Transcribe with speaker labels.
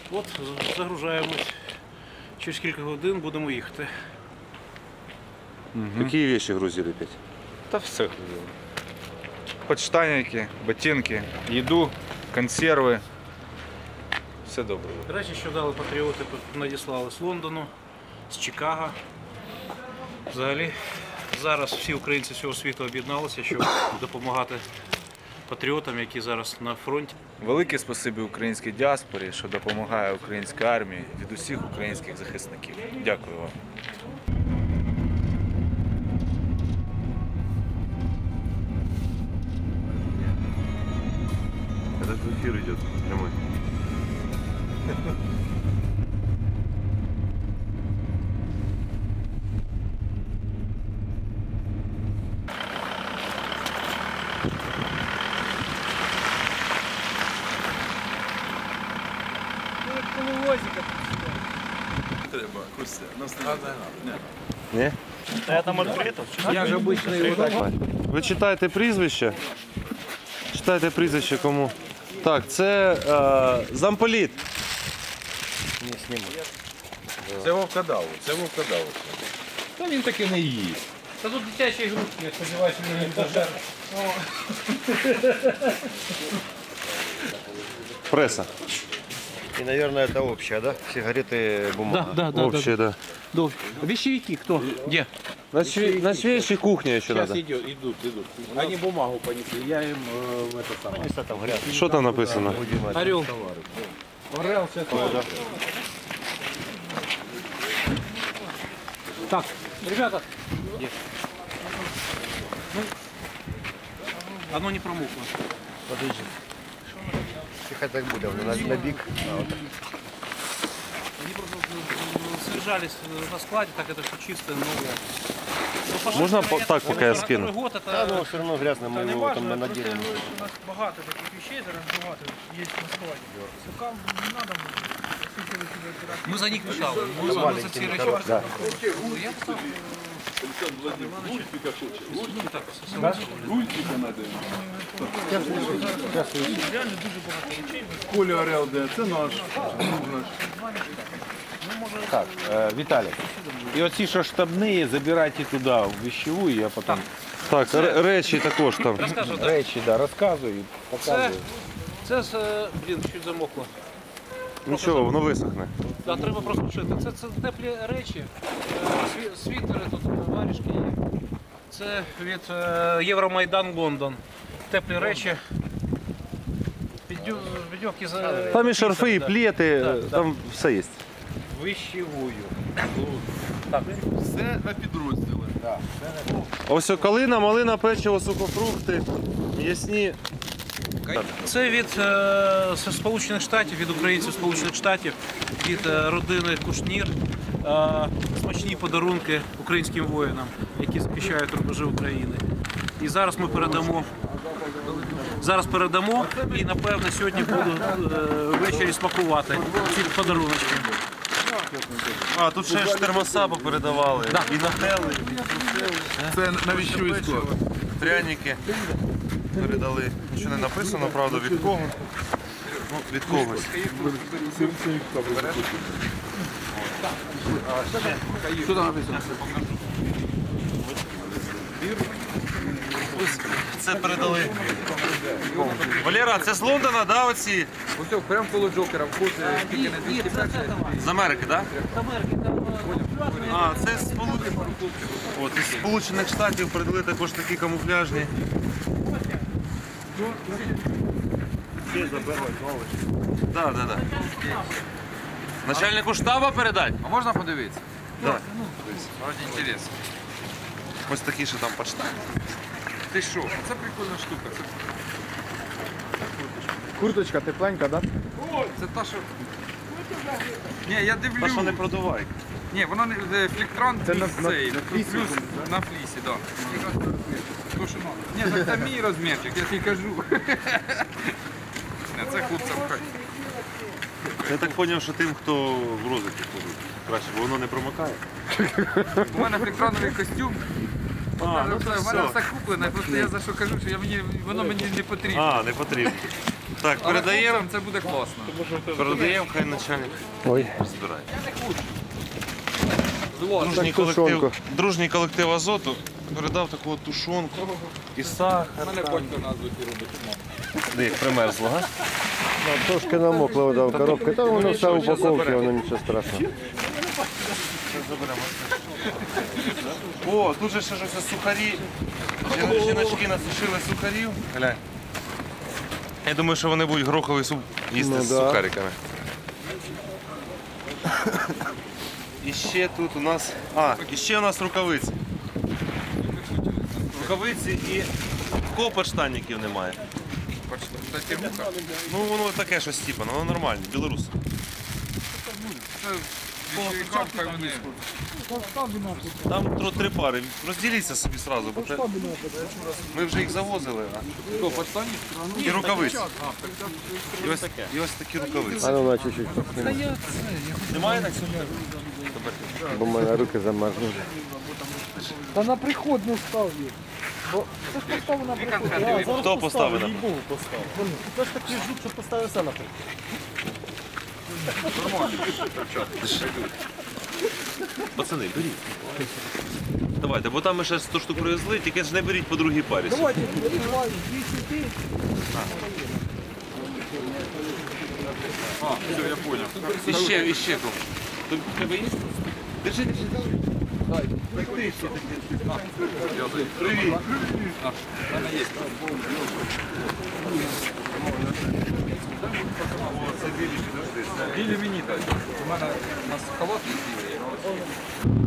Speaker 1: От, загружаємось. Через кілька годин будемо їхати.
Speaker 2: Какие вещи грузили опять?
Speaker 3: Та все грузили. Подштанники, ботинки, їду, консерви. Все добре.
Speaker 1: Речі, що дали патріоти, надіслали з Лондону, з Чикаго. Взагалі, зараз всі українці всього світу об'єдналися, щоб допомагати патріотам, які зараз на фронті.
Speaker 3: Велике спасибі українській діаспорі, що допомагає українській армії від усіх українських захисників. Дякую вам.
Speaker 2: Это эфир идет прямой. Не?
Speaker 1: Я там відкрито. Я ж обичний.
Speaker 2: Ви читаєте прізвище? Читайте прізвище кому? Так, це замполіт.
Speaker 4: Це вовкодав, це вовкодав. Та він таки не їсть.
Speaker 1: Та тут дитячі ігрушки, я сподіваюся, мені не пожар.
Speaker 2: Преса.
Speaker 5: И, наверное, это общее, да? Сигареты, бумага.
Speaker 1: Да.
Speaker 2: Общее, да.
Speaker 1: Вещевики кто? Где?
Speaker 2: На свежей кухне еще
Speaker 4: Сейчас
Speaker 2: надо.
Speaker 4: идут. Они бумагу понесли, я им это самое.
Speaker 5: Там грязь.
Speaker 2: Что там написано?
Speaker 1: Орел.
Speaker 4: Орел, все это.
Speaker 1: Так, ребята. Оно не промокло.
Speaker 5: Подожди. Тихо так будет, на бик.
Speaker 1: Они просто содержались на складе, так это все чистое, новое.
Speaker 2: Можно так, пока я скину?
Speaker 1: Второй год
Speaker 5: Да,
Speaker 1: это...
Speaker 5: но все равно грязно, мы
Speaker 1: Не
Speaker 5: его
Speaker 1: важно,
Speaker 5: там
Speaker 1: просто
Speaker 5: наделаем.
Speaker 1: у нас багато таких вещей, зараз багато є на складі. Сукам не надо буде. Ми за них мешали. Ми за ці речі.
Speaker 5: Да.
Speaker 1: Я сам... Реально дуже багато речей.
Speaker 4: Коля Орел, де? Це наш.
Speaker 6: Так, Виталий, и вот що штабні забирайте туди, в вещевую, я потім
Speaker 2: Так, речі також там.
Speaker 1: Розкажу, так.
Speaker 6: речі, да, розказую, показую.
Speaker 1: Це, блін, чуть замокло.
Speaker 2: Нічого, воно висохне.
Speaker 1: Да, треба просто вшити. Це теплі речі, світери, тут варішки є. Це від Євромайдан Лондон. Теплі речі. Підйовки за...
Speaker 2: Там і шарфи, і
Speaker 1: Да.
Speaker 2: плети,
Speaker 1: Да.
Speaker 2: там все є.
Speaker 1: Вищевую. Так.
Speaker 4: Все на підрозділи.
Speaker 2: Ось калина, малина, печиво, сухофрукти, м'ясні.
Speaker 1: Це від Сполучених Штатів, від українців Сполучених Штатів, від родини Кушнір. Смачні подарунки українським воїнам, які захищають рубежі України. І зараз ми передамо. І, напевно, сьогодні буду ввечері смакувати ці подаруночки.
Speaker 2: А, тут ще ж термоса попередавали. І нагрели,
Speaker 4: Це навіщо військово?
Speaker 2: пряники передали. Нічого не написано, правда, від кого. Ну, від когось.
Speaker 4: Що там написано?
Speaker 2: Це передали. Валера, це з Лондона, да, оці?
Speaker 4: Ось прямо коло Джокера, вход, тільки не 201.
Speaker 2: З Америки, так?
Speaker 1: З Америки, там
Speaker 2: А, це із Сполучених Штатів передали також такі камуфляжні. Так. Начальнику штабу передати?
Speaker 4: А можна подивитися?
Speaker 2: Так.
Speaker 4: Раді інтересу.
Speaker 2: Ось такі, що там почта.
Speaker 4: Ти що? Це прикольна штука. Це,
Speaker 3: Курточка тепленька, да?
Speaker 4: це та, що... Ні, я
Speaker 2: Та
Speaker 4: дивлюсь.
Speaker 2: що не продувай.
Speaker 4: Ні, воно не фліктрон
Speaker 3: Це
Speaker 4: плюс
Speaker 3: на
Speaker 4: цей,
Speaker 3: флісі,
Speaker 4: плюс на флісі, так. То, що надо. Ні, так це мій розмірчик, я тобі кажу. Ні, це хлопцям хай.
Speaker 2: Я так зрозумів, що тим, хто в розвитку ходить. Краще, бо воно не промокає.
Speaker 4: У мене фліктроновий костюм.
Speaker 2: А, ну
Speaker 4: У мене все куплене, просто я за що кажу, що воно мені не потрібно.
Speaker 2: А, не потрібно. Так, передаємо.
Speaker 4: Це буде класно.
Speaker 2: Передаємо, хай начальник
Speaker 5: Ой,
Speaker 2: збирає.
Speaker 4: Зло.
Speaker 2: Дружній колектив Азоту передав таку от тушонку і сахар.
Speaker 4: У мене батько на Азоті робить.
Speaker 2: Де як примерзло, га?
Speaker 5: трошки намокла вода в коробці, там воно все в упаковці, воно нічого страшного.
Speaker 2: О, тут же ще щось сухарі. Жіночки насушили сухарів. Глянь. Я думаю, що вони будуть гороховий суп їсти
Speaker 5: Ну
Speaker 2: з
Speaker 5: да.
Speaker 2: сухариками. І ще тут у нас. І ще у нас рукавиці. Рукавиці і копочтальників немає.
Speaker 4: Кстати, муха.
Speaker 2: Ну воно таке щось типу, воно нормальне, білорус.
Speaker 4: Це більшовикам, хай вони.
Speaker 2: Там 3 пари. Розділіться собі одразу, бо це... ми вже їх завозили.
Speaker 4: Хто, подстані?
Speaker 2: І рукавиці. І ось такі рукавиці.
Speaker 5: А ну на чуть-чуть,
Speaker 2: Немає так сьогодні?
Speaker 5: бо в мене руки замерзли.
Speaker 7: Та на приход не став їх. Бо це ж поставив на приход.
Speaker 2: Хто поставив?
Speaker 7: Їй-богу поставив. Це ж такий жут, що поставив все на приход.
Speaker 2: Пацани, беріть. Давайте, бо там ми ще 100 штук привезли, тільки ж не беріть по другій парі.
Speaker 7: Давайте, виливаю 200 тисяч.
Speaker 4: Все, я понял.
Speaker 2: І ще кому. Тобі треба їсти? Держи, держи. Привіт.
Speaker 4: У мене є. Білі мені дай. У мене у нас халат є білий.